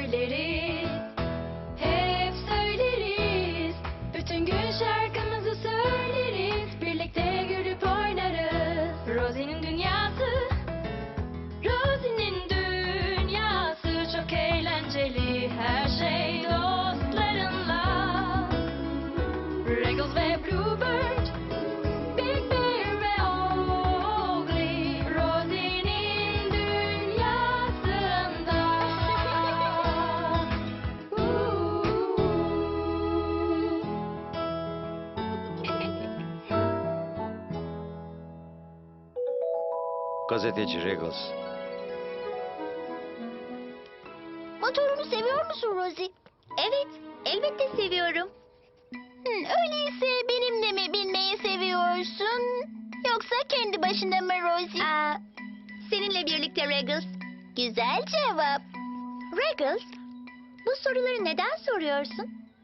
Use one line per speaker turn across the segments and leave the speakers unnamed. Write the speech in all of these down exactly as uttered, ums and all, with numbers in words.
söyleriz. Hep söyleriz. Bütün gün şarkımızı söyleriz. Birlikte gülüp oynarız. Rosie'nin dünyası, Rosie'nin dünyası çok eğlenceli. Her şey dostlarınla. Regals ve Bluebird, Big Bear ve Oakley, Rosie'nin dünyasında.
Gazeteci Regals.
Motorunu seviyor musun Rosie? Evet, elbette seviyorum. Hmm, öyleyse benimle mi binmeyi seviyorsun? Yoksa kendi başına mı Rosie? Aa, seninle birlikte Regals. Güzel cevap. Regals, bu soruları neden soruyorsun?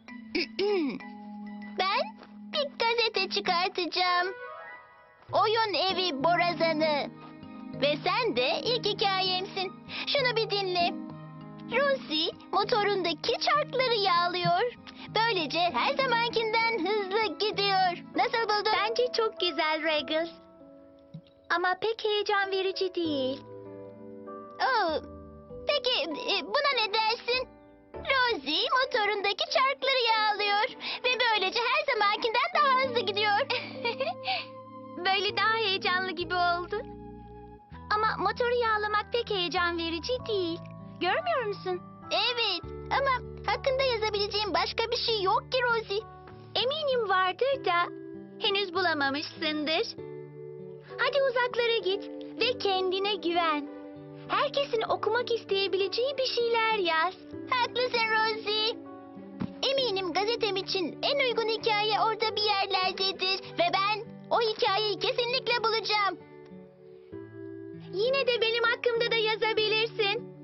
Ben bir gazete çıkartacağım. Oyun evi borazanı. Ve sen de ilk hikayemsin. Şunu bir dinle. Rosie motorundaki çarkları yağlıyor. Böylece her zamankinden hızlı gidiyor. Nasıl buldun? Bence çok güzel Regals. Ama pek heyecan verici değil. Oo, peki e, buna ne dersin? Rosie motorundaki çarkları yağlıyor. Ve böylece her zamankinden daha hızlı gidiyor. Böyle daha heyecanlı gibi oldu. Ama motoru yağlamak pek heyecan verici değil. Görmüyor musun? Evet ama hakkında yazabileceğim başka bir şey yok ki Rosie. Eminim vardır da henüz bulamamışsındır. Hadi uzaklara git ve kendine güven. Herkesin okumak isteyebileceği bir şeyler yaz. Haklısın Rosie. Eminim gazetem için en uygun hikaye orada bir yerlerdedir. Ve ben o hikayeyi kesinlikle bulacağım. Yine de benim hakkımda da yazabilirsin.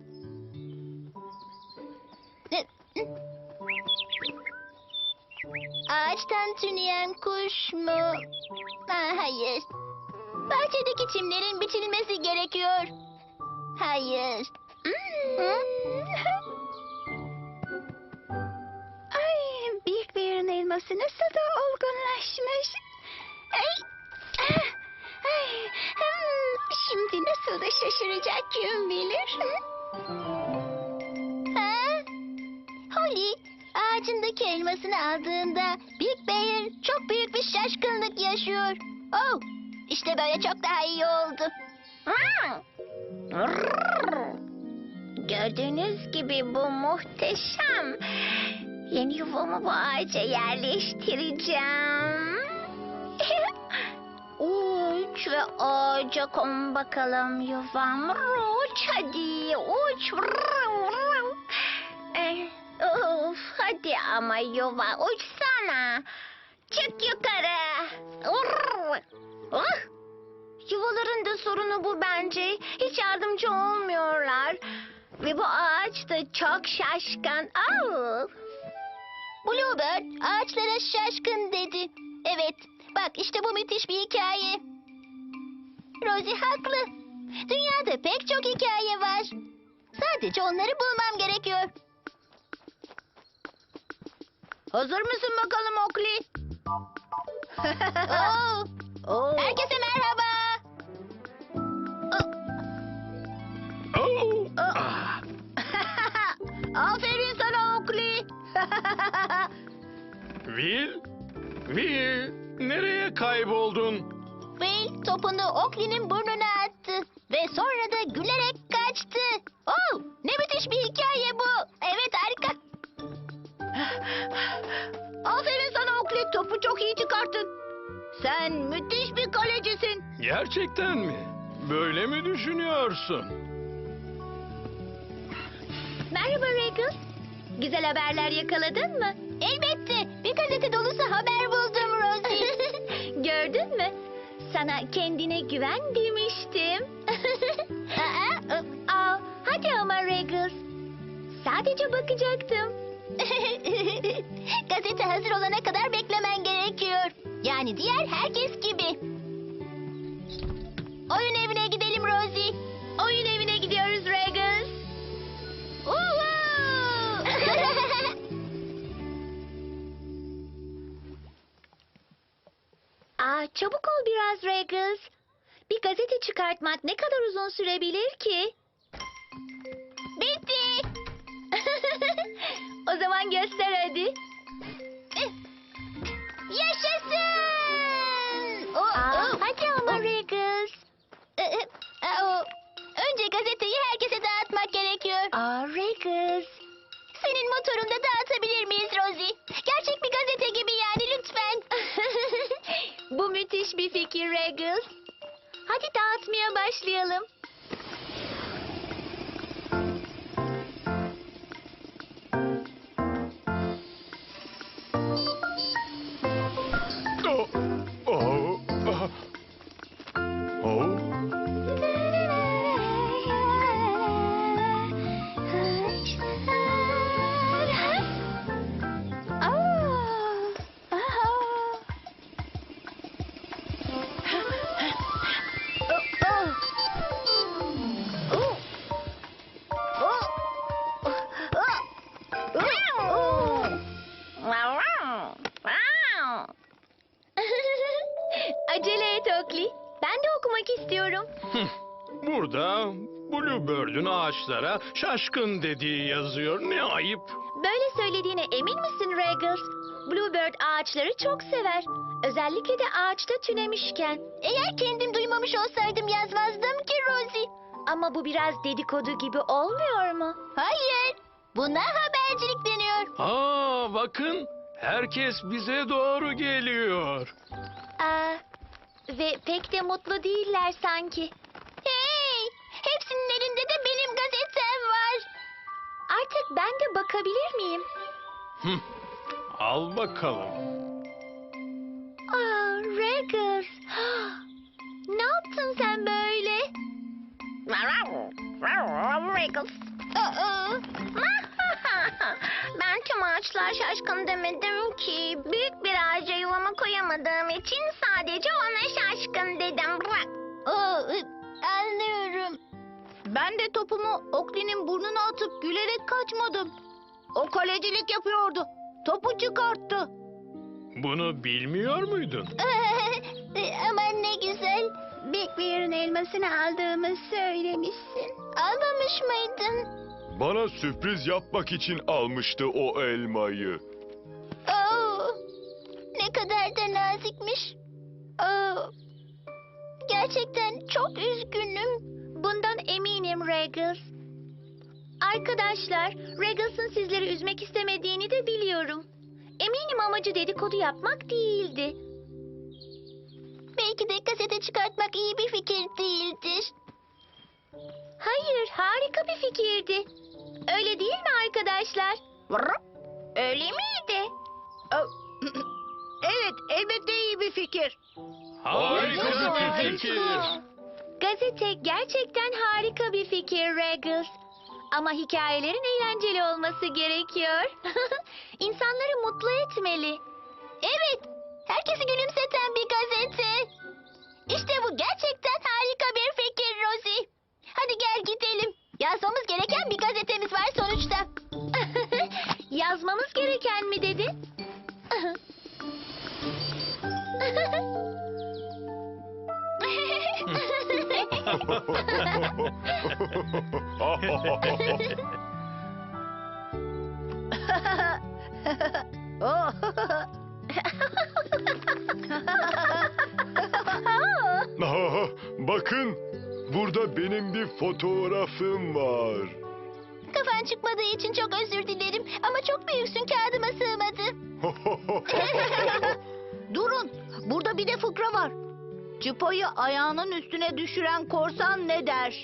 Ağaçtan tüneyen kuş mu? Ha, hayır. Bahçedeki çimlerin biçilmesi gerekiyor. Hayır. Ay, büyük bir yerin elması nasıl da olgunlaşmış. Ay, ah, ay, hmm, şimdi nasıl da şaşıracak kim bilir. Ha? Holly, ağacındaki elmasını aldığında Big Bear çok büyük bir şaşkınlık yaşıyor. Oh, işte böyle çok daha iyi oldu. Gördüğünüz gibi bu muhteşem. Yeni yuvamı bu ağaca yerleştireceğim. Uç ve ağaca kon bakalım yuvam. Uç hadi uç. Of, hadi ama yuva uçsana. Çık yukarı. Oh. Yuvaların da sorunu bu bence. Hiç yardımcı olmuyorlar. Ve bu ağaç da çok şaşkın. Oh. Bluebird ağaçlara şaşkın dedi. Evet, bak işte bu müthiş bir hikaye. Rosie haklı. Dünyada pek çok hikaye var. Sadece onları bulmam gerekiyor. Hazır mısın bakalım Oakley? Oo. Oo. Herkese merhaba.
Oh.
Oh. Aferin sana Oakley.
Will? Will? Nereye kayboldun?
Will topunu Oakley'nin burnuna attı. Ve sonra da gülerek kaçtı. Oh, ne müthiş bir hikaye bu. Evet, harika. Aferin sana Oakley, topu çok iyi çıkarttın. Sen müthiş bir kalecisin.
Gerçekten mi? Böyle mi düşünüyorsun?
Merhaba Regals. Güzel haberler yakaladın mı? Elbette. Bir gazete dolusu haber buldum Rosie. Gördün mü? Sana kendine güven demiştim. Aa, aa, hadi ama Regals. Sadece bakacaktım. Gazete hazır olana kadar beklemen gerekiyor. Yani diğer herkes gibi. Oyun evine gidelim Rosie. Oyun evine gidiyoruz Regals. Uhu!
Çabuk ol biraz Regis. Bir gazete çıkartmak ne kadar uzun sürebilir ki?
Bitti.
O zaman göster hadi.
Yaşasın. O,
Aa,
o.
hadi ama Regis.
Ee, e, o. Önce gazeteyi herkese dağıtmak gerekiyor.
Aa Regis.
Senin motorunda dağıtabilir miyiz Rosie? Gerçek bir gazete gibi yani lütfen.
Bu müthiş bir fikir Regis. Hadi dağıtmaya başlayalım.
Oh, oh, ah. Oh.
Acele et Oakley. Ben de okumak istiyorum.
Burada Bluebird'ün ağaçlara şaşkın dediği yazıyor. Ne ayıp.
Böyle söylediğine emin misin Regis? Bluebird ağaçları çok sever. Özellikle de ağaçta tünemişken.
Eğer kendim duymamış olsaydım yazmazdım ki Rosie.
Ama bu biraz dedikodu gibi olmuyor mu?
Hayır. Buna habercilik deniyor.
Aa, bakın. Herkes bize doğru geliyor.
Aa, ve pek de mutlu değiller sanki.
Hey! Hepsinin elinde de benim gazetem var.
Artık ben de bakabilir miyim?
Hıh, al bakalım.
Aa, Regis. Ne yaptın sen böyle?
Regis. Aa,
Ben tüm ağaçlar şaşkın demedim ki. Büyük bir ağaca yuvama koyamadığım için sadece ona şaşkın dedim.
aa, anlıyorum.
Ben de topumu Oakley'nin burnuna atıp gülerek kaçmadım. O kalecilik yapıyordu. Topu çıkarttı.
Bunu bilmiyor muydun?
Aman ne güzel.
Big Bear'ın elmasını aldığımı söylemişsin.
Almamış mıydın?
Bana sürpriz yapmak için almıştı o elmayı.
Oo, ne kadar da nazikmiş. Oo, gerçekten çok üzgünüm.
Bundan eminim Regis. Arkadaşlar, Regis'in sizleri üzmek istemediğini de biliyorum. Eminim amacı dedikodu yapmak değildi.
Belki de gazete çıkartmak iyi bir fikir değildir.
Hayır, harika bir fikirdi. Öyle değil mi arkadaşlar? Öyle miydi? Evet, elbette iyi bir fikir.
Harika bir fikir.
Gazete gerçekten harika bir fikir Regis. Ama hikayelerin eğlenceli olması gerekiyor. İnsanları mutlu etmeli.
Evet, herkesi gülümseten bir gazete. İşte bu gerçekten harika bir fikir Rosie. Hadi gel gidelim. Yazmamız gereken bir gazetemiz var sonuçta.
Yazmamız gereken mi dedin?
Aha, bakın, burada benim bir fotoğrafım var.
Kafan çıkmadığı için çok özür dilerim. Ama çok büyüksün, kağıdıma sığmadı.
Durun, burada bir de fıkra var. Çıpayı ayağının üstüne düşüren korsan ne der?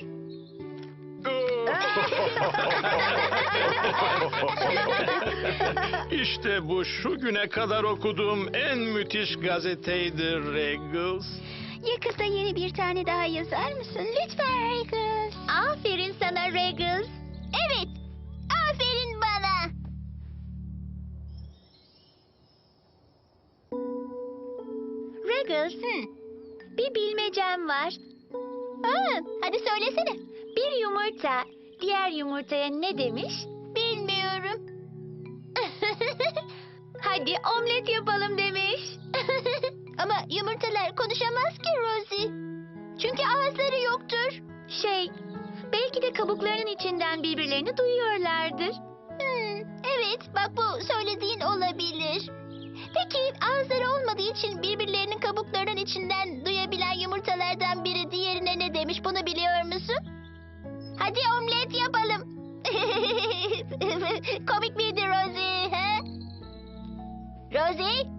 İşte bu şu güne kadar okuduğum en müthiş gazeteydi Regis.
Yakında yeni bir tane daha yazar mısın? Lütfen Regis.
Aferin sana Regis.
Evet, aferin bana.
Regis,
Hı.
bir bilmecem var.
Aa, hadi söylesene.
Bir yumurta diğer yumurtaya ne demiş?
Bilmiyorum.
Hadi omlet yapalım demiş.
Ama yumurtalar konuşamaz ki Rosie. Çünkü ağızları yoktur.
Şey, belki de kabuklarının içinden birbirlerini duyuyorlardır.
Hmm, evet, bak bu söylediğin olabilir. Peki ağızları olmadığı için birbirlerinin kabuklarının içinden duyabilen yumurtalardan biri diğerine ne demiş, bunu biliyor musun? Hadi omlet yapalım. Komik miydi Rosie? He? Rosie?